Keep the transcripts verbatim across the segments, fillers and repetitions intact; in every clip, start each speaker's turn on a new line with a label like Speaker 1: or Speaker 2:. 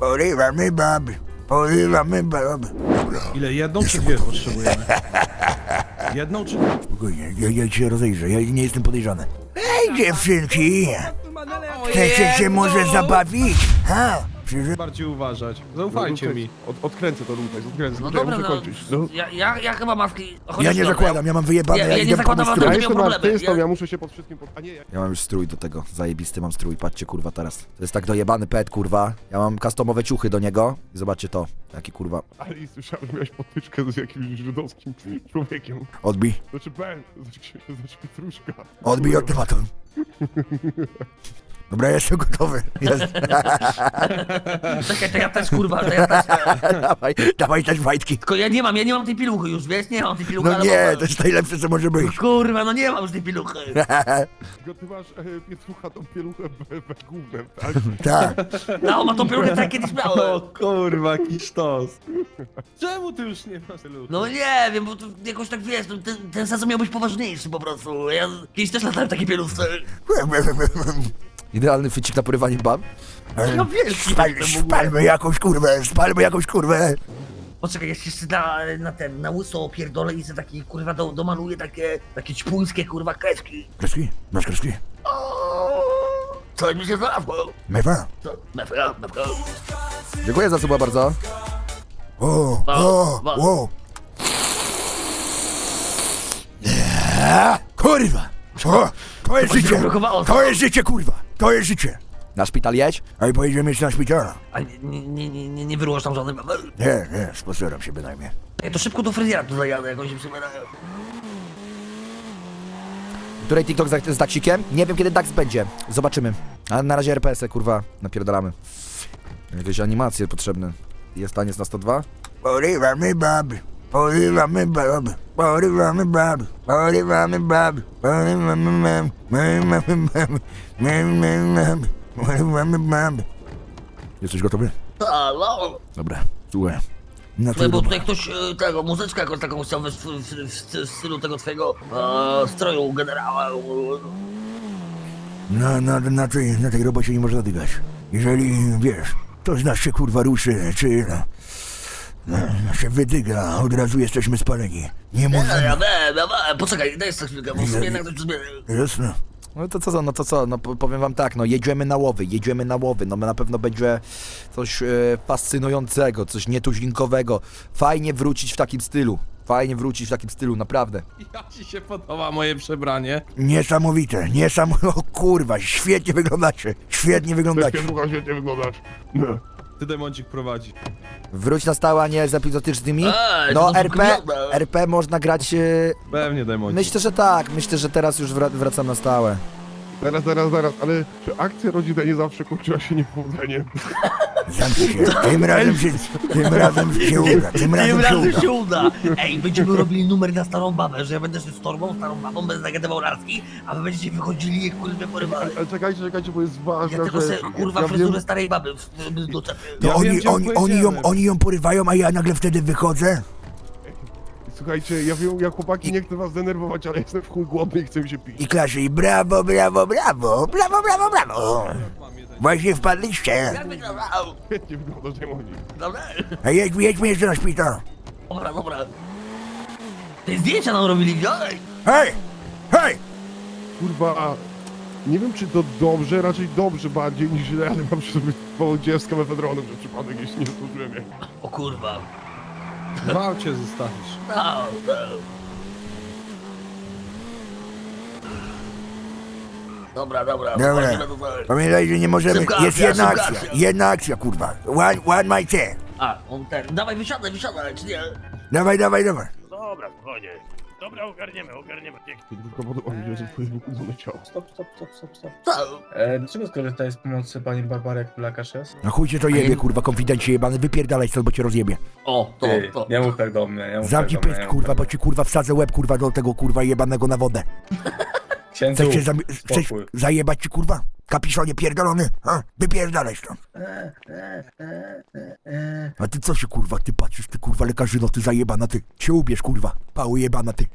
Speaker 1: Porywamy baby, porywamy baby.
Speaker 2: Ile? Jedną czy dwie potrzebujemy? Jedną czy dwie?
Speaker 1: Spokojnie, ja, ja się rozejrzę, ja nie jestem podejrzany. Ej, dziewczynki! Chcecie się może zabawić? Ha? Przyjrzy...
Speaker 2: Bardziej uważać. Zaufajcie mi.
Speaker 3: Od, odkręcę to tutaj, odkręcę,
Speaker 4: No
Speaker 3: tutaj,
Speaker 4: dobra,
Speaker 3: muszę
Speaker 4: no,
Speaker 3: kończyć. No.
Speaker 4: ja, ja, ja chyba maski... chociaż
Speaker 1: Ja nie
Speaker 4: dobra,
Speaker 1: zakładam, ja mam wyjebane,
Speaker 4: Ja-
Speaker 1: ja,
Speaker 4: ja nie
Speaker 1: idę
Speaker 4: zakładam,
Speaker 1: pomóc
Speaker 4: ale
Speaker 3: Ja
Speaker 1: strój.
Speaker 4: to
Speaker 3: jestem
Speaker 4: problemy,
Speaker 3: artystą,
Speaker 4: ja-
Speaker 3: ja muszę się pod wszystkim... Pod... A nie, ja...
Speaker 1: Ja mam już strój do tego, zajebisty mam strój, patrzcie kurwa teraz. To jest tak dojebany pet kurwa, ja mam customowe ciuchy do niego i zobaczcie to, jaki kurwa.
Speaker 3: Ale i słyszałem, że miałeś potyczkę z jakimś żydowskim człowiekiem.
Speaker 1: Odbij,
Speaker 3: Znaczy Ben, znaczy, znaczy Pietruszka.
Speaker 1: odbij od tematu. Dobra, jestem gotowy. Jest.
Speaker 4: Czekaj, to ja też kurwa, to ja też...
Speaker 1: dawaj, dawaj też fajtki.
Speaker 4: Tylko ja nie mam, ja nie mam tej piluchy już, wiesz? Nie mam tej piluchy,
Speaker 1: No
Speaker 4: ale
Speaker 1: nie,
Speaker 4: mam-
Speaker 1: to jest najlepsze co może być.
Speaker 4: Kurwa, no nie mam już tej piluchy.
Speaker 3: Tylko ty masz e, Pietrucha tą pieluchę be, be gównem, tak?
Speaker 1: Tak.
Speaker 4: No, ma tą piluchę tak kiedyś
Speaker 2: O
Speaker 4: miałem.
Speaker 2: kurwa, jaki sztos. Czemu ty już nie masz tylu?
Speaker 4: No nie wiem, bo to jakoś tak wiesz, no, ten, ten sezon miał być poważniejszy po prostu. Ja kiedyś też latałem w takiej pieluchce.
Speaker 1: Idealny fycik na porywanie bab.
Speaker 4: No wielki
Speaker 1: Spal,
Speaker 4: jestem w ogóle.
Speaker 1: spalmy jakąś kurwę, spalmy jakąś kurwę.
Speaker 4: Poczekaj, ja się jeszcze na, na ten, na łyso pierdolę i sobie taki kurwa do, domaluję takie, takie ćpuńskie kurwa kreski.
Speaker 1: Kreski? Masz kreski?
Speaker 4: Co mi się znalazło?
Speaker 1: Mewa?
Speaker 4: Co? Mefra, mefra.
Speaker 1: Dziękuję za suba bardzo. O, o, o. Nie, kurwa. O, to jest
Speaker 4: Chyba się
Speaker 1: życie.
Speaker 4: zablokowało.
Speaker 1: To jest życie, kurwa. To jest życie. Na szpital jedź? A i pojedziemy jeszcze na szpital.
Speaker 4: A nie, nie, nie, nie, nie, nie wyrułasz tam żadnym...
Speaker 1: Nie, nie, sposeram się bynajmniej.
Speaker 4: Ja to szybko do fryzjera tu zajadę, jak oni się przybierają.
Speaker 1: Której TikTok z, z Daxikiem? Nie wiem kiedy Dax będzie. Zobaczymy. A na razie R P S-y, kurwa, napierdalamy. Jakieś animacje potrzebne. Jest taniec na sto dwa? Porywamy baby, porywamy baby, porywamy baby, porywamy baby, porywamy baby, porywamy baby. Jesteś gotowy?
Speaker 4: Halo?
Speaker 1: Dobra, słuchaj. Na
Speaker 4: Słuchaj, bo
Speaker 1: co
Speaker 4: tutaj ktoś e, tego, muzyczkę jakąś taką chciał w, w, w, w stylu tego twojego e, stroju generała.
Speaker 1: na, na, na, tej, na tej robocie nie można dygać. Jeżeli, wiesz, to z nas się kurwa ruszy, czy no, no, się wydyga, od razu jesteśmy spaleni. Nie
Speaker 4: Ja,
Speaker 1: możemy...
Speaker 4: ja wiem, ja wiem, poczekaj, daj jeszcze chwilkę, bo w sumie jednak ktoś zbiera.
Speaker 1: Jasne. No to co, no to co, no po- powiem wam tak, no jedziemy na łowy, jedziemy na łowy, no na pewno będzie coś e, fascynującego, coś nietuzinkowego. Fajnie wrócić w takim stylu, fajnie wrócić w takim stylu, naprawdę.
Speaker 2: Jak ci się podoba moje przebranie?
Speaker 1: Niesamowite, niesamowite, o kurwa, świetnie wyglądacie, świetnie
Speaker 3: Też
Speaker 1: wyglądacie.
Speaker 3: Pietrucha świetnie wyglądasz. No.
Speaker 2: Ty demoncik prowadzi.
Speaker 1: Wróć na stałe, a nie z epizodycznymi.
Speaker 4: Ej,
Speaker 1: No
Speaker 4: to
Speaker 1: R P,
Speaker 4: wygląda.
Speaker 1: R P można grać, e,
Speaker 2: Pewnie demoncik.
Speaker 1: myślę, że tak, myślę, że teraz już wra- wracam na stałe.
Speaker 3: Zaraz, zaraz, zaraz, ale czy akcja rodzinna nie zawsze kończyła się niepowodzeniem?
Speaker 1: Zamknij się, tym razem się, tym razem się uda, tym
Speaker 4: Tym
Speaker 1: razem się
Speaker 4: razem
Speaker 1: uda.
Speaker 4: się uda! Ej, będziemy robili numer na starą babę, że ja będę szedł z torbą, starą babą, będę zagadywał laski, a wy będziecie wychodzili jak kurde porywali.
Speaker 3: Ale czekajcie, czekajcie, bo jest
Speaker 4: Ja
Speaker 3: ważna
Speaker 4: tylko
Speaker 3: rzecz.
Speaker 4: se kurwa
Speaker 3: ja
Speaker 4: fryzurę
Speaker 3: wiem,
Speaker 4: starej baby w- w- doczepię.
Speaker 1: To
Speaker 2: Ja
Speaker 1: oni,
Speaker 2: wiem, gdzie
Speaker 1: oni, oni, ją,
Speaker 2: pojedziemy.
Speaker 1: oni ją porywają, a ja nagle wtedy wychodzę?
Speaker 3: słuchajcie, ja wiem, ja chłopaki nie chcę was denerwować, ale jestem w chuj głodny i chcę mi się pić.
Speaker 1: I klaszy, i brawo, brawo, brawo, brawo, brawo, brawo.
Speaker 2: Mam jeden.
Speaker 1: Właśnie wpadliście.
Speaker 4: Jak wyglądał?
Speaker 3: Świetnie wyglądasz, demonik.
Speaker 4: Dobra,
Speaker 1: A jedźmy, jedźmy jeszcze na szpital.
Speaker 4: dobra, dobra. Te zdjęcia nam robili, widziałeś?
Speaker 1: Hej, hej.
Speaker 3: Kurwa, nie wiem czy to dobrze, raczej dobrze bardziej niż źle, ale mam przy sobie powodzie z mefedronem, że przypadek jeśli nie zdążyłem jak.
Speaker 4: O kurwa.
Speaker 2: W aucie zostawisz.
Speaker 4: No, no. Dobra, dobra,
Speaker 1: Dobra.
Speaker 4: zobaczymy to dalej.
Speaker 1: Pamiętaj, że nie możemy,
Speaker 4: Szybka
Speaker 1: jest
Speaker 4: akcja,
Speaker 1: jedna
Speaker 4: szybka
Speaker 1: akcja,
Speaker 4: akcja.
Speaker 1: jedna akcja, kurwa. One, one my ten.
Speaker 4: A, on ten, dawaj wysiadaj, wysiadaj, czy nie?
Speaker 1: Dawaj, dawaj, dawaj.
Speaker 5: Dobra, spokojnie. Dobra, ogarniemy, ogarniemy. Pięknie.
Speaker 3: Tylko podoba mi się, że twoje wykudzone ciało.
Speaker 6: Stop, stop, stop, stop, stop.
Speaker 4: Co?
Speaker 6: E, dlaczego skorzystałeś z pomocy pani Barbary, jak Blakasz jest?
Speaker 1: No chuj cię to jebie, kurwa, konfidencie jebany, wypierdalaj stąd, bo cię rozjebie.
Speaker 4: O, to,
Speaker 6: Ty,
Speaker 4: to.
Speaker 6: nie mów tak do mnie, nie mów
Speaker 1: Zamknij
Speaker 6: tak do mnie,
Speaker 1: pysk,
Speaker 6: nie mów
Speaker 1: kurwa,
Speaker 6: tak
Speaker 1: bo
Speaker 6: do
Speaker 1: ci kurwa wsadzę łeb, kurwa, do tego kurwa jebanego na wodę.
Speaker 6: mnie. Księdzu,
Speaker 1: Chcesz, się zam- chcesz
Speaker 6: spokój.
Speaker 1: zajebać ci, kurwa? Kapiszonie pierdolony, ha? Wypierdalaj stąd. A ty co się, kurwa, ty patrzysz, ty kurwa lekarzyno, ty zajebana, ty. Się ubierz, kurwa, pały jebana, ty.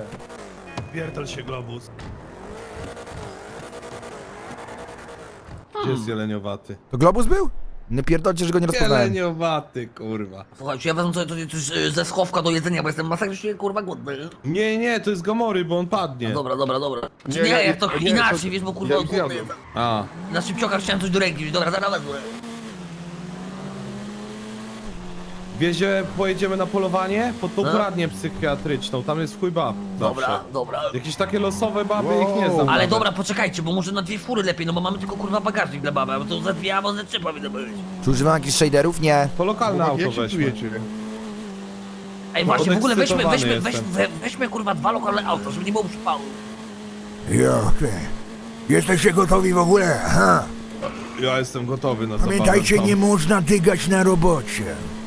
Speaker 5: Pierdol się globus.
Speaker 2: Gdzie jest jeleniowaty?
Speaker 1: To Globus był? Nie pierdolcie, że go nie rozpoznałem.
Speaker 2: Jeleniowaty, kurwa.
Speaker 4: Słuchajcie, ja wezmę sobie coś, coś e, ze schowka do jedzenia, bo jestem masakrycznie kurwa głodny.
Speaker 2: Nie, nie, to jest Gomory, bo on padnie.
Speaker 4: Dobra, dobra, dobra. Czy
Speaker 3: Nie,
Speaker 4: nie,
Speaker 3: ja-
Speaker 4: jak to
Speaker 3: nie,
Speaker 4: inaczej,
Speaker 3: to-
Speaker 4: wiesz, bo kurwa
Speaker 3: ja
Speaker 4: głodny
Speaker 3: zjadłem.
Speaker 4: jestem.
Speaker 2: A,
Speaker 4: Na szybciokach chciałem coś do ręki wziąć, dobra, zaraz wezmę.
Speaker 2: wiezie, pojedziemy na polowanie pod tą
Speaker 4: No.
Speaker 2: poradnię psychiatryczną, tam jest chuj bab zawsze.
Speaker 4: Dobra, dobra.
Speaker 2: Jakieś takie losowe baby,
Speaker 3: Wow.
Speaker 2: ich nie znam.
Speaker 4: Ale
Speaker 2: nawet.
Speaker 4: dobra, poczekajcie, bo może na dwie fury lepiej, no bo mamy tylko kurwa bagażnik dla baby, bo to za dwie albo za trzy powinno być.
Speaker 1: Czy używam jakichś shaderów? Nie.
Speaker 2: To lokalne
Speaker 3: Chłopaki,
Speaker 2: auto
Speaker 3: jak się
Speaker 2: weźmy.
Speaker 3: czujecie?
Speaker 4: Ej, właśnie, w ogóle weźmy,
Speaker 2: Podekscytowany
Speaker 4: weźmy, weź,
Speaker 2: jestem.
Speaker 4: we, weźmy kurwa dwa lokalne auta, żeby nie było przypału.
Speaker 7: Jo, ty. Jesteście gotowi w ogóle? Aha.
Speaker 2: Ja jestem gotowy na zabawę.
Speaker 7: Pamiętajcie,
Speaker 2: tam.
Speaker 7: nie można dygać na robocie.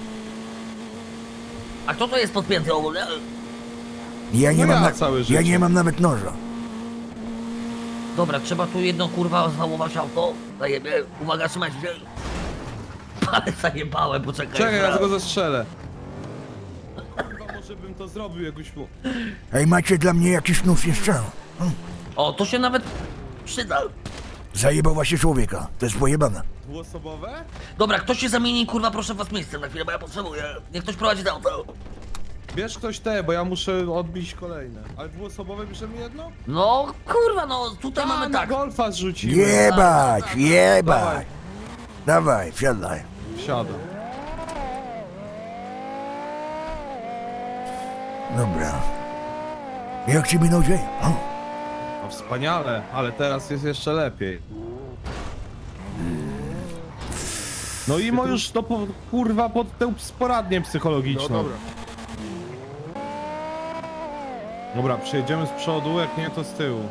Speaker 4: A kto to jest podpięty ogólnie?
Speaker 7: Ja nie,
Speaker 2: No
Speaker 7: mam,
Speaker 2: ja
Speaker 7: na...
Speaker 2: całe
Speaker 7: ja
Speaker 2: życie.
Speaker 7: nie mam nawet noża.
Speaker 4: Dobra, trzeba tu jedno kurwa załamować auto. Zajebie, uwaga, trzymajcie się. Ale zajebałem, poczekaj.
Speaker 2: Czekaj, ja
Speaker 4: zaraz.
Speaker 2: go zastrzelę. Kurwa, może bym to zrobił jakoś mu...
Speaker 7: Ej, macie dla mnie jakiś nóż jeszcze?
Speaker 4: O, to się nawet przyda.
Speaker 7: Zajebał właśnie człowieka. To jest pojebane.
Speaker 2: Dwuosobowe?
Speaker 4: Dobra, ktoś się zamieni, kurwa, proszę was miejscem na chwilę, bo ja potrzebuję. Niech ktoś prowadzi to auto.
Speaker 2: Bierz ktoś te, bo ja muszę odbić kolejne. Ale dwuosobowe bierzemy jedno?
Speaker 4: No, kurwa, no, tutaj
Speaker 2: A,
Speaker 4: mamy
Speaker 2: na
Speaker 4: tak.
Speaker 2: golfa zrzucimy.
Speaker 7: Jebać,
Speaker 2: Dawaj.
Speaker 7: jebać. Dawaj, wsiadaj.
Speaker 2: Wsiadam.
Speaker 7: Dobra. Jak ci minął dzień? O,
Speaker 2: No wspaniale, ale teraz jest jeszcze lepiej. No i mo już to po, kurwa pod tę sporadnię
Speaker 3: No
Speaker 2: psychologiczną.
Speaker 3: dobra.
Speaker 2: Dobra, przejedziemy z przodu, jak nie to z tyłu.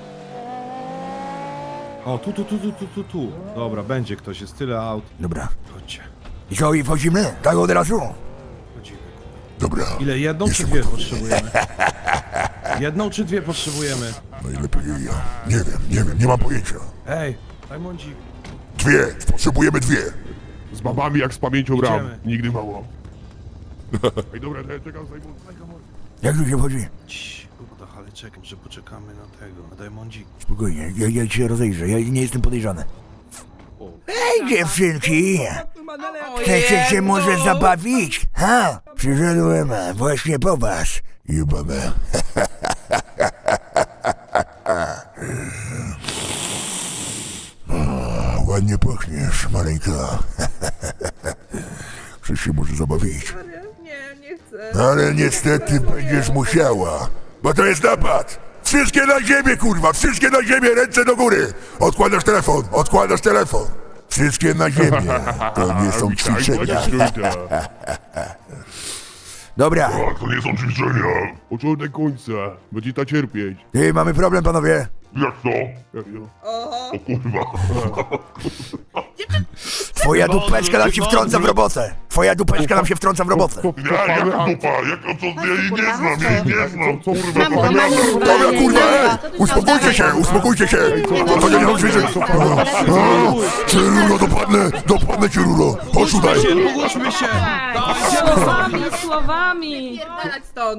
Speaker 2: O, tu, tu, tu, tu, tu, tu, tu. Dobra, będzie ktoś, jest tyle aut.
Speaker 7: dobra.
Speaker 2: Chodźcie,
Speaker 7: I co, i wchodzimy? Tak od razu?
Speaker 2: chodzimy.
Speaker 7: Dobra.
Speaker 2: Ile, jedną czy dwie potrzebujemy? Jedną czy dwie potrzebujemy?
Speaker 7: Najlepiej ja. Nie wiem, nie wiem, nie mam pojęcia.
Speaker 2: Ej, Rajmondzik.
Speaker 7: Dwie, potrzebujemy dwie.
Speaker 3: Z babami jak z pamięcią ram.
Speaker 2: Idziemy.
Speaker 3: Nigdy mało. Ej, dobra, ja czekam zajmę.
Speaker 7: Jak tu się wchodzi?
Speaker 2: Cii, Bogdach, ale czekam, że poczekamy na tego, na Diamondzik.
Speaker 7: Spokojnie, ja, ja cię rozejrzę, ja nie jestem podejrzany. Hej dziewczynki! Chcecie się może zabawić? Ha? Przyszedłem właśnie po was. Jebane. A, ładnie pachniesz, maleńka. Chcesz się może zabawić?
Speaker 8: Nie, nie chcę.
Speaker 7: Ale niestety będziesz musiała, bo to jest napad! Wszystkie na ziemię, kurwa! Wszystkie na ziemię! Ręce do góry! Odkładasz telefon! Odkładasz telefon! Wszystkie na ziemię! To nie są ćwiczenia. Dobra,
Speaker 3: To nie są ćwiczenia. Początek końca. Będzie ta cierpieć.
Speaker 7: ty, mamy problem, panowie.
Speaker 3: Jak to? Jak to?
Speaker 8: Oho.
Speaker 3: O kurwa.
Speaker 7: Twoja dupeczka nam się wtrąca w robotę! Twoja dupeczka nam się wtrąca w robotę!
Speaker 3: Nie, jak dupa? Jak to? Ja jej nie znam, ja jej nie znam. Co kurwa
Speaker 8: Mam
Speaker 3: powiada?
Speaker 7: Dobra, kurwa! e, Uspokójcie się, uspokójcie się! To, to nie są ćwiczenia! Cię, Rulo, dopadnę! Dopadnę cię, Rulo! Chodź tutaj!
Speaker 2: Pogódźmy się!
Speaker 8: Słowami, słowami. Pierdalać stąd.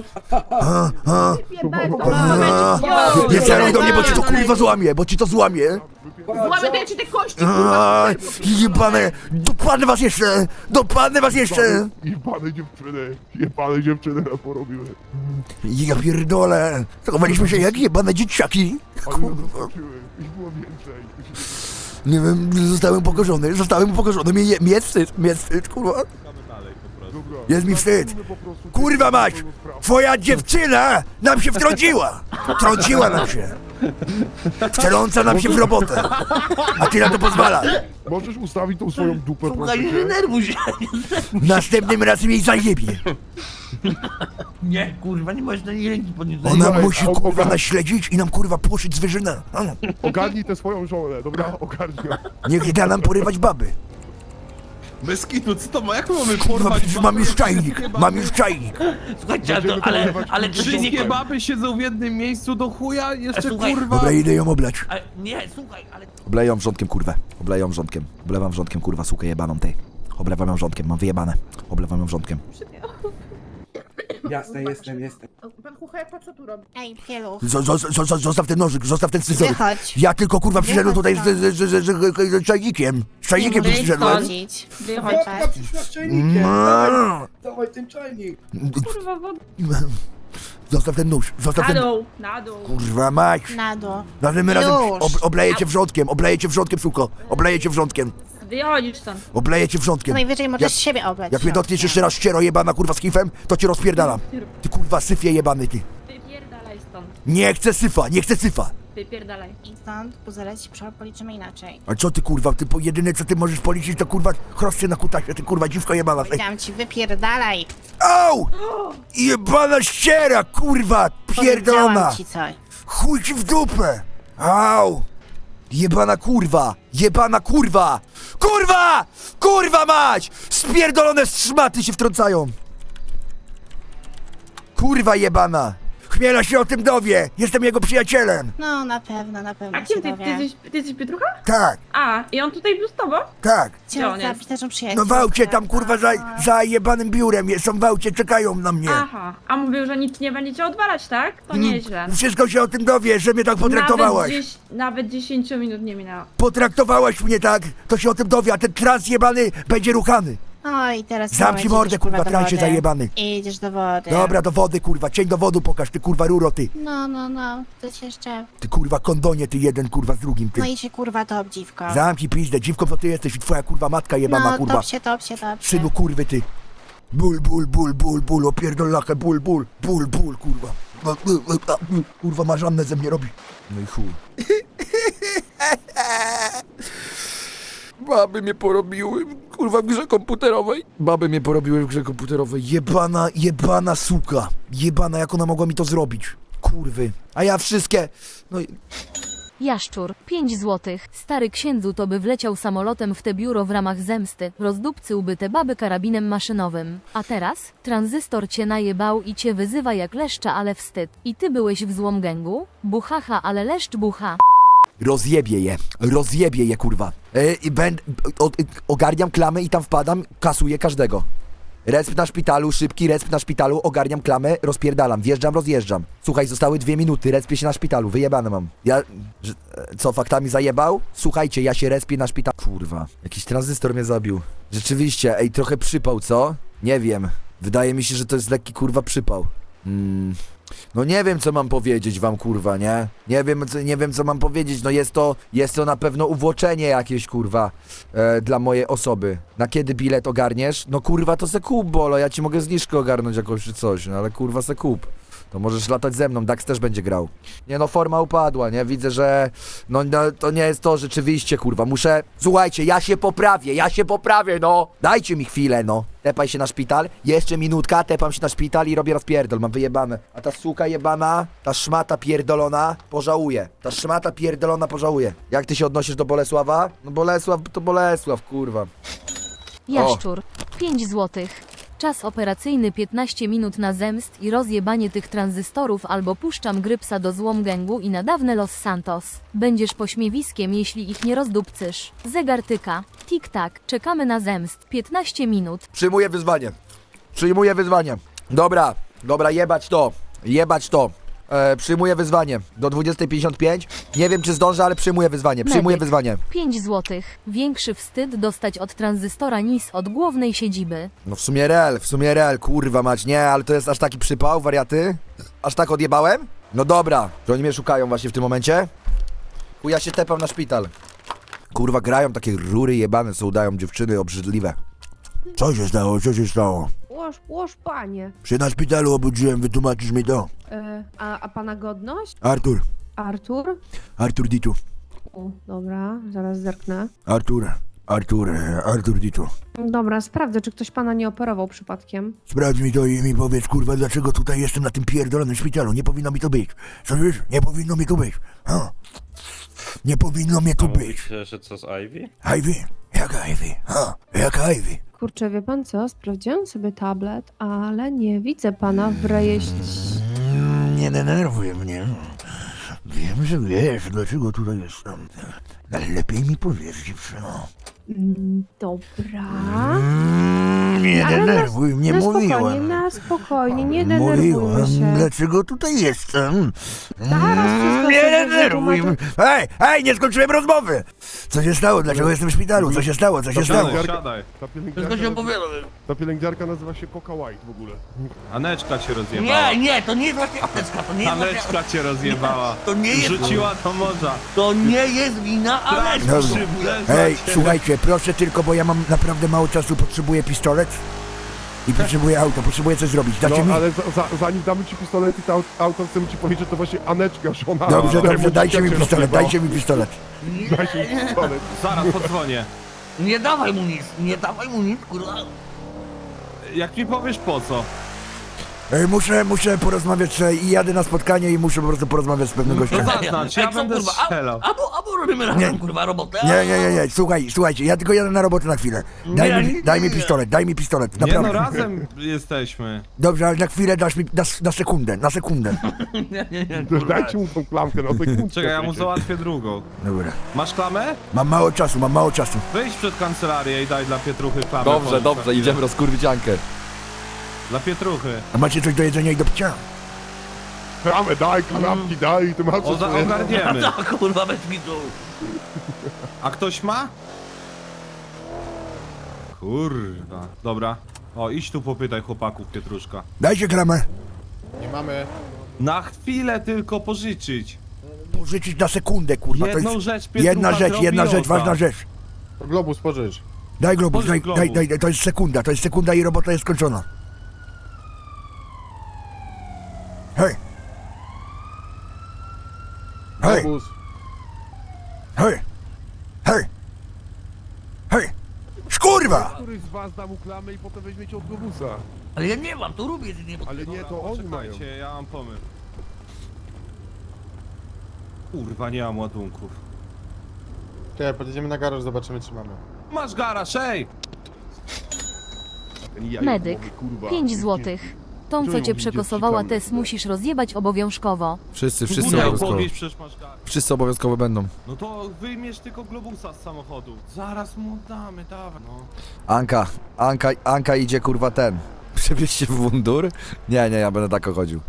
Speaker 7: Nie celuj do mnie, bo ci to kurwa złamie, bo ci to złamie!
Speaker 8: Złamy ci te kości,
Speaker 7: A, jebane! Dopadnę was jeszcze! Dopadnę was jeszcze!
Speaker 3: Jebane dziewczyny. Jebane dziewczyny nam porobiły.
Speaker 7: Ja pierdolę! Zachowaliśmy się jak jebane dzieciaki!
Speaker 3: Ale nas zaskoczyły. Ich było więcej.
Speaker 7: Nie wiem, zostałem upokorzony, zostałem upokorzony, mnie, je- mnie wstyd, mnie wstyd, kurwa.
Speaker 3: Dobra.
Speaker 7: Jest mi wstyd.
Speaker 3: Zróbmy po prostu
Speaker 7: Kurwa mać!
Speaker 3: pełną sprawę.
Speaker 7: Twoja dziewczyna nam się wtrąciła! Wtrąciła nam się! Wtrąca nam się w robotę! A ty na to pozwalasz!
Speaker 3: Możesz ustawić tą swoją dupę,
Speaker 4: Słuchaj,
Speaker 3: proszę
Speaker 4: nie
Speaker 3: cię?
Speaker 4: denerwuj się.
Speaker 7: Następnym razem jej zajebie!
Speaker 4: Nie, kurwa, nie możesz na niej ręki podnieść.
Speaker 7: Ona
Speaker 3: Słuchaj,
Speaker 7: musi
Speaker 3: o-
Speaker 7: kurwa
Speaker 3: o-
Speaker 7: naśledzić i nam kurwa płoszyć zwierzynę! A,
Speaker 3: Ogarnij tę swoją żonę, dobra? Ogarnij ją.
Speaker 7: niech da nam porywać baby!
Speaker 2: Bez kitu, co to ma? Jak my mamy
Speaker 7: Kurwa,
Speaker 2: porwać
Speaker 7: przecież
Speaker 2: babę?
Speaker 7: mam już czajnik! Mam już czajnik!
Speaker 4: Słuchajcie, ale,
Speaker 3: Będziemy
Speaker 4: to, ale,
Speaker 3: pokonywać
Speaker 4: ale czy się nie...
Speaker 2: Wszystkie baby siedzą w jednym miejscu do chuja, jeszcze
Speaker 4: Słuchaj.
Speaker 2: kurwa...
Speaker 7: Dobra, idę ją oblać.
Speaker 4: Ale, nie, słuchaj, ale...
Speaker 1: Obleję ją wrzątkiem, kurwę. Obleję ją wrzątkiem. Oblewam wrzątkiem, kurwa, sukę jebaną tej. Oblewam ją wrzątkiem, mam wyjebane. Oblewam ją wrzątkiem.
Speaker 6: Jasne, jestem, jestem.
Speaker 8: Pan Słuchaj, po co tu robisz?
Speaker 9: Ej, pieluch.
Speaker 1: Z- z- z- z- Zostaw ten nożyk, zostaw ten scyzoryk.
Speaker 9: Wychodź.
Speaker 1: Ja tylko kurwa przyszedłem tutaj
Speaker 9: Wychodź
Speaker 1: z, z, z, z, z, z czajnikiem. Z czajnikiem tu
Speaker 9: Nie
Speaker 1: przyszedłem.
Speaker 9: chodzić.
Speaker 8: Wychodź.
Speaker 9: Wychodź.
Speaker 6: przyszła z czajnikiem.
Speaker 1: No.
Speaker 6: Dawaj ten czajnik.
Speaker 8: Kurwa, woda.
Speaker 1: Zostaw ten nóż, zostaw
Speaker 8: Na
Speaker 1: ten...
Speaker 8: dół, na dół.
Speaker 1: Kurwa mać.
Speaker 9: Na dół.
Speaker 1: Razem razem
Speaker 9: Już.
Speaker 1: ob, obleję cię wrzątkiem, obleję cię wrzątkiem, suko. Obleję cię wrzątkiem,
Speaker 8: Wychodzisz stąd.
Speaker 1: obleję cię
Speaker 9: To
Speaker 1: wrzątkiem.
Speaker 9: najwyżej możesz
Speaker 1: Jak-
Speaker 9: siebie oblać.
Speaker 1: Jak mnie dotkniesz jeszcze raz ściero jebana kurwa z kifem, to cię rozpierdalam. Ty kurwa syfie jebany ty.
Speaker 8: Wypierdalaj stąd.
Speaker 1: Nie chcę syfa, nie chcę syfa.
Speaker 8: Wypierdalaj.
Speaker 9: I stąd, puzelec ci przyszło, policzymy inaczej.
Speaker 1: A co ty kurwa, ty po jedyne co ty możesz policzyć to kurwa chrosty na kutasie, ty kurwa dziwko jebana. Ej.
Speaker 9: Powiedziałam ci, wypierdalaj.
Speaker 1: Au! Jebana ściera, kurwa, pierdolona!
Speaker 9: Powiedziałam ci coś.
Speaker 1: Chuj ci w dupę! Au! Jebana kurwa! Jebana kurwa! Kurwa! Kurwa mać! Spierdolone szmaty się wtrącają! Kurwa jebana! Chmiela się o tym dowie! Jestem jego przyjacielem!
Speaker 9: No, na pewno, na pewno
Speaker 8: A kim
Speaker 9: się
Speaker 8: ty, ty,
Speaker 9: dowie.
Speaker 8: jesteś, ty jesteś Pietrucha?
Speaker 1: Tak,
Speaker 8: A, i on tutaj był z tobą?
Speaker 1: tak!
Speaker 8: Gdzie on
Speaker 9: Chciałam
Speaker 8: jest?
Speaker 9: zabić naszą przyjaciółkę.
Speaker 1: No w aucie tam kurwa za, za jebanym biurem, są w aucie, czekają na mnie!
Speaker 8: Aha, a mówił, że nic nie będziecie odwalać, tak? To nieźle.
Speaker 1: Wszystko się o tym dowie, że mnie tak potraktowałaś!
Speaker 8: Nawet, dziś, nawet dziesięciu minut nie minęło.
Speaker 1: Potraktowałaś mnie tak, to się o tym dowie, a ten trans jebany będzie ruchany!
Speaker 9: Oj, teraz
Speaker 1: Zamknij
Speaker 9: idziesz,
Speaker 1: mordę, kurwa,
Speaker 9: do
Speaker 1: transie
Speaker 9: wody.
Speaker 1: zajebany.
Speaker 9: Idziesz do wody.
Speaker 1: Dobra, do wody kurwa, cień do wodu pokaż, ty kurwa ruro ty!
Speaker 9: No, no, no, coś jeszcze.
Speaker 1: Ty kurwa kondonie, ty jeden kurwa z drugim, ty.
Speaker 9: No i się kurwa top, dziwko.
Speaker 1: Zamknij pizdę, dziwką to ty jesteś i twoja kurwa matka jebana
Speaker 9: No,
Speaker 1: kurwa.
Speaker 9: top się, top się, top się.
Speaker 1: Synu kurwy ty. Ból, ból, ból, ból, ból, opierdolachę, ból, ból, ból, ból, kurwa. Kurwa marzannę ze mnie robi. No i chuj. Baby mnie porobiły, kurwa, w grze komputerowej. Baby mnie porobiły w grze komputerowej. Jebana, jebana suka. Jebana, jak ona mogła mi to zrobić. Kurwy. A ja wszystkie... No i...
Speaker 10: Jaszczur, pięć złotych. Stary księdzu to by wleciał samolotem w te biuro w ramach zemsty. Rozdupcyłby te baby karabinem maszynowym. A teraz? Tranzystor cię najebał i cię wyzywa jak leszcza, ale wstyd. I ty byłeś w złom gęgu? Buchacha, ale leszcz bucha.
Speaker 1: Rozjebie je, rozjebie je kurwa. E, i będę, o, ogarniam klamę i tam wpadam, kasuję każdego. Resp na szpitalu, szybki resp na szpitalu, ogarniam klamę, rozpierdalam, wjeżdżam, rozjeżdżam. Słuchaj, zostały dwie minuty, respię się na szpitalu, wyjebane mam. Ja, że, co, faktami zajebał? Słuchajcie, ja się respię na szpitalu. Kurwa, jakiś tranzystor mnie zabił. Rzeczywiście, ej, trochę przypał, co? Nie wiem, wydaje mi się, że to jest lekki kurwa przypał. Hmm... No nie wiem co mam powiedzieć wam kurwa, nie? Nie wiem co, nie wiem co mam powiedzieć, no jest to, jest to na pewno uwłoczenie jakieś kurwa e, dla mojej osoby. Na kiedy bilet ogarniesz? No kurwa to se kup bolo, ja ci mogę zniżkę ogarnąć jakąś czy coś, no ale kurwa se kup. To możesz latać ze mną, Dax też będzie grał. Nie no, forma upadła, nie? Widzę, że no, no to nie jest to rzeczywiście, kurwa. Muszę... Słuchajcie, ja się poprawię, ja się poprawię, no! Dajcie mi chwilę, no. Tepaj się na szpital, jeszcze minutka, tepam się na szpital i robię rozpierdol, mam wyjebane. A ta suka jebana, ta szmata pierdolona, pożałuje. Ta szmata pierdolona pożałuje. Jak ty się odnosisz do Bolesława? No Bolesław to Bolesław, kurwa.
Speaker 10: Jaszczur, pięć złotych. Czas operacyjny piętnaście minut na zemst i rozjebanie tych tranzystorów albo puszczam grypsa do złom gęgu i na dawne Los Santos. Będziesz pośmiewiskiem, jeśli ich nie rozdupcysz. Zegar tyka. Tik-tak. Czekamy na zemst. piętnaście minut.
Speaker 1: Przyjmuję wyzwanie. Przyjmuję wyzwanie. Dobra, dobra, jebać to. Jebać to. E, przyjmuję wyzwanie. Do dwudziestej pięćdziesiąt pięć. Nie wiem czy zdążę, ale przyjmuję wyzwanie. Przyjmuję
Speaker 10: Medyk.
Speaker 1: wyzwanie.
Speaker 10: pięć złotych. Większy wstyd dostać od tranzystora niż od głównej siedziby.
Speaker 1: No w sumie real, w sumie real, kurwa mać. Nie, ale to jest aż taki przypał, wariaty? Aż tak odjebałem? No dobra. Że oni mnie szukają właśnie w tym momencie? Chuj, ja się tepam na szpital. Kurwa, grają takie rury jebane, co udają dziewczyny obrzydliwe. Co się stało? Co się stało?
Speaker 8: Łoż, łoż, panie.
Speaker 1: Się na szpitalu obudziłem, wytłumaczysz mi to.
Speaker 8: E, a, a pana godność?
Speaker 1: Artur.
Speaker 8: Artur?
Speaker 1: Artur Ditu.
Speaker 8: O, dobra, zaraz zerknę.
Speaker 1: Artur. Artur. Artur Ditu.
Speaker 8: Dobra, sprawdzę, czy ktoś pana nie operował przypadkiem.
Speaker 1: Sprawdź mi to i mi powiedz, kurwa, dlaczego tutaj jestem na tym pierdolonym szpitalu. Nie powinno mi to być. Słyszysz? Nie powinno mi tu być. Ha? Nie powinno mnie tu być.
Speaker 5: że co z Ivy?
Speaker 1: Ivy? Jaka Ivy? Ha? Jaka Ivy?
Speaker 8: Kurczę, wie pan co? Sprawdziłam sobie tablet, ale nie widzę pana w rejestrie.
Speaker 1: Mm, Nie denerwuj mnie. Wiem, że wiesz, dlaczego tutaj jestem. Ale lepiej mi powiedz, dziewczyno.
Speaker 8: Mm, Dobra.
Speaker 1: Mm, Nie
Speaker 8: Ale na-
Speaker 1: denerwuj mnie,
Speaker 8: na spokojnie,
Speaker 1: mówiłem.
Speaker 8: na spokojnie, nie denerwujmy
Speaker 1: Mówiłem,
Speaker 8: się.
Speaker 1: dlaczego tutaj jestem.
Speaker 8: Zaraz wszystko
Speaker 1: Nie
Speaker 8: sobie
Speaker 1: denerwuj mnie.
Speaker 8: wytłumaczę.
Speaker 1: Hej, hej, nie skończyłem rozmowy. Co się stało? Dlaczego jestem w szpitalu? Co się stało? Co się stało?
Speaker 2: Siadaj, siadaj.
Speaker 3: Ta
Speaker 4: Wszystko
Speaker 3: pielęgniarka,
Speaker 4: się opowiada.
Speaker 3: ta pielęgniarka nazywa się Coca White w ogóle.
Speaker 2: Aneczka cię rozjebała.
Speaker 4: Nie, nie, to nie jest właśnie Aneczka, to nie jest właśnie...
Speaker 2: Aneczka cię rozjebała.
Speaker 4: To nie jest...
Speaker 2: Rzuciła do morza.
Speaker 4: To nie jest wina Aneczki.
Speaker 1: Dobrze.
Speaker 2: Szybne
Speaker 1: Hej,
Speaker 2: zacie.
Speaker 1: słuchajcie, proszę tylko, bo ja mam naprawdę mało czasu, potrzebuję pistolet i potrzebuję auto, potrzebuję coś zrobić. Dacie mi?
Speaker 3: No, ale za, za, zanim damy ci pistolet i to auto, chcemy ci powiedzieć, że to właśnie Aneczka, żona.
Speaker 1: Dobrze,
Speaker 3: której
Speaker 1: dobrze, dajcie mi
Speaker 3: młodzika cię
Speaker 1: pistolet,
Speaker 3: rozjebała.
Speaker 1: dajcie mi pistolet.
Speaker 3: Dajcie mi pistolet.
Speaker 2: Zaraz podzwonię.
Speaker 4: Nie dawaj mu nic, nie dawaj mu nic, kurwa.
Speaker 2: Jak mi powiesz po co?
Speaker 1: Ej, Muszę, muszę porozmawiać sobie i jadę na spotkanie i muszę po prostu porozmawiać z pewnym
Speaker 2: To
Speaker 1: gościem.
Speaker 2: zaznacz, ja
Speaker 4: Jak są,
Speaker 2: będę
Speaker 4: kurwa,
Speaker 2: strzelał.
Speaker 4: a- Albo, albo robimy razem, kurwa, robotę.
Speaker 1: Nie, nie, nie, nie, słuchaj, słuchajcie, ja tylko jadę na robotę na chwilę. Daj
Speaker 4: Nie,
Speaker 1: mi,
Speaker 4: nie,
Speaker 1: daj mi
Speaker 4: nie.
Speaker 1: pistolet, daj mi pistolet,
Speaker 2: Nie no,
Speaker 1: naprawdę.
Speaker 2: razem jesteśmy.
Speaker 1: Dobrze, ale na chwilę dasz mi, na, na sekundę, na sekundę.
Speaker 4: Nie, nie, nie,
Speaker 3: To
Speaker 4: kurwa.
Speaker 3: Dajcie mu tą klamkę na sekundkę.
Speaker 2: Czekaj, ja mu
Speaker 3: przecież.
Speaker 2: załatwię drugą.
Speaker 1: Dobra.
Speaker 2: Masz klamę?
Speaker 1: Mam mało czasu, mam mało czasu.
Speaker 2: Wyjdź przed kancelarię i daj dla Pietruchy klamę.
Speaker 11: Dobrze,
Speaker 2: Powiedz
Speaker 11: dobrze,
Speaker 2: na chwilę.
Speaker 11: idziemy rozkurwić Ankę.
Speaker 2: Dla Pietruchy.
Speaker 1: A macie coś do jedzenia i do picia?
Speaker 3: Klamę daj, kanapki daj, ty masz
Speaker 2: O,
Speaker 3: coś
Speaker 2: za,
Speaker 3: sobie-
Speaker 2: ogarniemy.
Speaker 4: No, kurwa, bez kitu.
Speaker 2: A ktoś ma? Kurwa. Dobra. O, idź tu popytaj chłopaków Pietruszka.
Speaker 1: Dajcie klamę.
Speaker 3: Nie mamy.
Speaker 2: Na chwilę tylko pożyczyć.
Speaker 1: Pożyczyć na sekundę, kurwa, to
Speaker 2: Jedną
Speaker 1: jest
Speaker 2: rzecz Pietrucha
Speaker 1: jedna rzecz,
Speaker 2: zrobi
Speaker 1: jedna rzecz,
Speaker 2: ota.
Speaker 1: ważna rzecz.
Speaker 3: Globus pożycz.
Speaker 1: Daj globus,
Speaker 2: Pożycz
Speaker 1: daj,
Speaker 2: globus.
Speaker 1: daj, daj, daj, to jest sekunda, to jest sekunda i robota jest skończona. Hej! Hej!
Speaker 3: Globus.
Speaker 1: Hej! Hej! Hej! Szkurwa!
Speaker 3: Któryś z was da mu klamę i potem weźmiecie od globusa.
Speaker 4: Ale ja nie mam, to lubię jedynie, bo...
Speaker 3: Ale nie, to oni mają.
Speaker 2: Czekajcie, ja mam pomysł. Kurwa, nie mam ładunków.
Speaker 3: Czekaj, podjedziemy na garaż, zobaczymy czy mamy.
Speaker 2: Masz garaż, ej!
Speaker 3: Ten jajek
Speaker 10: Medyk,
Speaker 3: mówi, kurwa.
Speaker 10: pięć złotych. Tą, co cię przekosowała, test musisz rozjebać obowiązkowo.
Speaker 11: Wszyscy, wszyscy
Speaker 2: Musiał
Speaker 11: obowiązkowo.
Speaker 2: podnieść, przecież masz garaż.
Speaker 11: Wszyscy obowiązkowo będą.
Speaker 2: No to wyjmiesz tylko globusa z samochodu. Zaraz mu damy, dawaj. No.
Speaker 1: Anka, Anka, Anka idzie kurwa ten.
Speaker 11: Przebierz się w mundur? Nie, nie, ja będę tak chodził.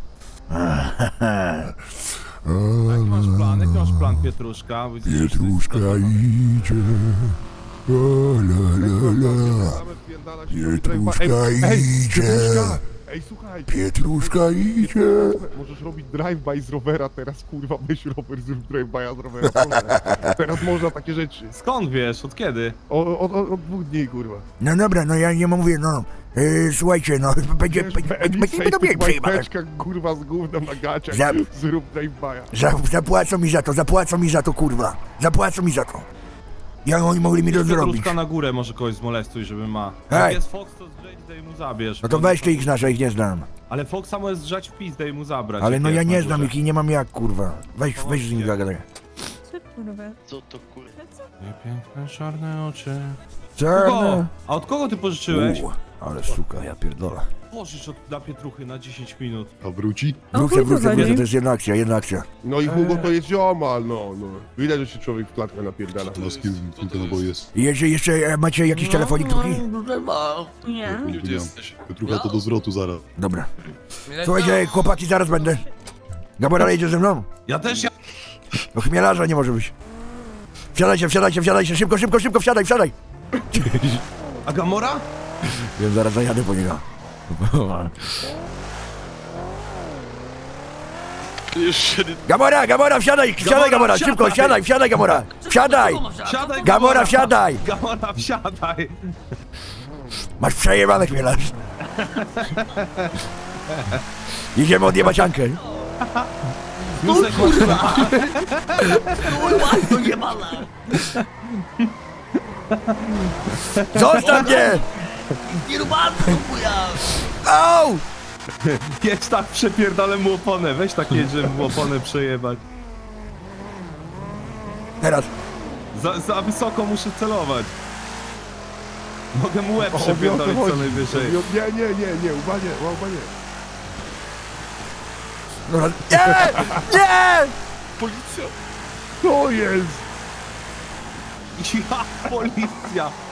Speaker 2: Jaki masz plan? Jaki masz plan, Pietruszka? Widzisz,
Speaker 7: Pietruszka idzie. O, la, la, la. Pietruszka
Speaker 3: Ej,
Speaker 7: idzie.
Speaker 3: Pietruszka! Ej, słuchaj!
Speaker 7: Pietruszka idzie.
Speaker 3: Możesz robić drive-by z rowera teraz, kurwa, weź rower, zrób drive-by'a z rowera. Teraz można takie rzeczy.
Speaker 2: Skąd wiesz? Od kiedy?
Speaker 3: O, od, od, od dwóch dni, kurwa.
Speaker 1: No dobra, no ja nie mówię, no. Yy, słuchajcie, no, będzie,
Speaker 3: Wiesz,
Speaker 1: będzie,
Speaker 3: Elisa
Speaker 1: będzie
Speaker 3: i
Speaker 1: będą mnie
Speaker 3: tych
Speaker 1: przejmować.
Speaker 3: łajteczkach, kurwa, z gównem na gaciach,
Speaker 1: Za-
Speaker 3: zrób drive-by'a.
Speaker 1: Za, zapłacą mi za to, zapłacą mi za to, kurwa. Zapłacą mi za to. Jak oni mogli mi to zrobić?
Speaker 2: Pietruszka na górę może kogoś zmolestuj, żeby ma.
Speaker 1: Hej.
Speaker 2: Jak jest Fox, to zdrzeć, daj mu zabierz.
Speaker 1: No to weź ty ich znasz, ja ich nie znam.
Speaker 2: Ale Foxa możesz zrzać w pis, daj mu zabrać.
Speaker 1: Ale
Speaker 2: jak
Speaker 1: no ja
Speaker 2: jest
Speaker 1: nie
Speaker 2: na
Speaker 1: znam
Speaker 2: górze.
Speaker 1: ich i nie mam jak, kurwa. Weź, weź z nimi zagadaj.
Speaker 5: Co to kurwa?
Speaker 2: Nie piękne czarne oczy.
Speaker 1: Czarne.
Speaker 2: Kogo? A od kogo ty pożyczyłeś?
Speaker 1: U, ale suka, ja pierdolę.
Speaker 2: Pożycz od, dla Pietruchy na dziesięć minut.
Speaker 3: A wróci?
Speaker 1: Wrócę, wrócę, wrócę, to jest jedna akcja, jedna akcja.
Speaker 3: No i Hugo to jest ziomal, no, no. Widać, że się człowiek w klatkę napierdala.
Speaker 7: No z kim, kim ten oboje jest?
Speaker 1: I jeszcze, jeszcze e, macie jakiś telefonik drugi?
Speaker 4: No, tutaj ma. Nie.
Speaker 7: Gdzie jesteś? Pietrucha to do zwrotu zaraz.
Speaker 1: Dobra. Słuchajcie, chłopaki, zaraz będę. Gabora jedzie ze mną?
Speaker 2: Ja też ja...
Speaker 1: No chmielarza nie może być. Wsiadajcie, wsiadajcie, wsiadajcie, szybko, szybko, szybko, wsiadaj, wsiadaj.
Speaker 2: A Gamora?
Speaker 1: Wiem, zaraz zajadę po niego.
Speaker 5: Jeszcze nie...
Speaker 1: Gamora, Gamora, wsiadaj, wsiadaj, Gamora, szybko,
Speaker 2: wsiadaj.
Speaker 1: wsiadaj, wsiadaj, Gamora. Wsiadaj.
Speaker 2: Siadaj,
Speaker 1: Gamora, wsiadaj.
Speaker 2: Gamora, wsiadaj!
Speaker 1: Masz przejebane chmielarz. Idziemy odjebać Ankę.
Speaker 2: Józek,
Speaker 4: Kurwa! Kurwa, to nie mala!
Speaker 1: Zostaw mnie!
Speaker 4: Nie rubanę, to chuja!
Speaker 1: Au!
Speaker 2: jedź tak, przepierdolę mu oponę. Weź tak jedź, żeby mu oponę przejebać.
Speaker 1: Teraz.
Speaker 2: Za, za wysoko muszę celować. Mogę mu łeb
Speaker 3: O, o
Speaker 2: przepierdolić
Speaker 3: to
Speaker 2: co
Speaker 3: chodzi.
Speaker 2: najwyżej.
Speaker 3: Nie, nie, nie, nie, uba nie, uba nie.
Speaker 1: Dobra. Nie! Nie!
Speaker 5: Policja!
Speaker 3: To jest!
Speaker 2: Ja, policja!